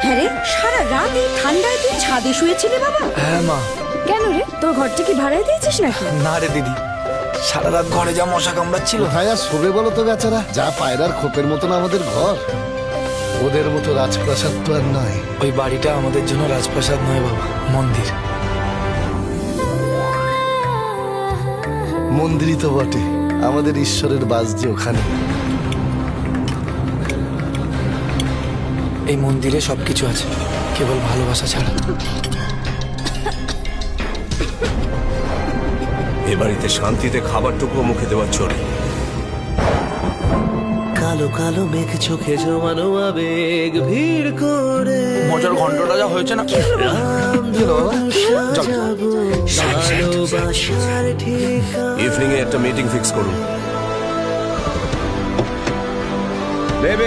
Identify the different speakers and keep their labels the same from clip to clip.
Speaker 1: হ্যাঁ রে, সারা রাত এই ঠান্ডায় তুই ছাদে শুয়েছিলি বাবা?
Speaker 2: হ্যাঁ মা।
Speaker 1: কেন রে, তোর ঘরটা কি ভাড়ায় দিয়েছিস নাকি?
Speaker 2: না রে দিদি, সারা রাত ঘরে যা মশা কামড়াচ্ছিল।
Speaker 3: কোথায় আর শোবে বলো তো বেচারা? যা পায়রার খোপের মতন আমাদের ঘর, ওদের মতো রাজপ্রাসাদ তো আর নয়।
Speaker 2: ওই বাড়িটা আমাদের জন্য রাজপ্রাসাদ নয় বাবা, মন্দির।
Speaker 3: মন্দিরই তো বটে, আমাদের ঈশ্বরের বাস যে ওখানে।
Speaker 2: এই মন্দিরে সবকিছু আছে, কেবল ভালোবাসা ছাড়া।
Speaker 4: এ বাড়িতে শান্তিতে খাবারটুকু মুখে দেওয়ার চলে।
Speaker 5: কালো কালো মেঘ চোখে জমানো আবেগ ভিড় করে
Speaker 2: মজার ঘন্টটা যা হয়েছে না।
Speaker 5: ভালোবাসার ঠিকানা।
Speaker 4: ইভিনিং এ একটা মিটিং ফিক্স করুন। বেবে,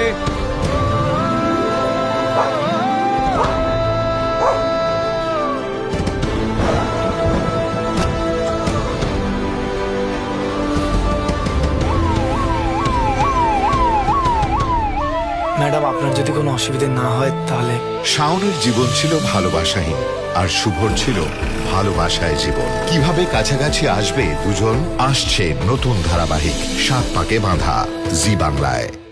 Speaker 2: ম্যাডাম, আপনার যদি কোনো অসুবিধে না হয় তাহলে।
Speaker 6: শাওনের জীবন ছিল ভালোবাসাহীন, আর শুভর ছিল ভালোবাসায় জীবন। কিভাবে কাছাকাছি আসবে দুজন? আসছে নতুন ধারাবাহিক 7 পাকে বাঁধা, জি বাংলায়।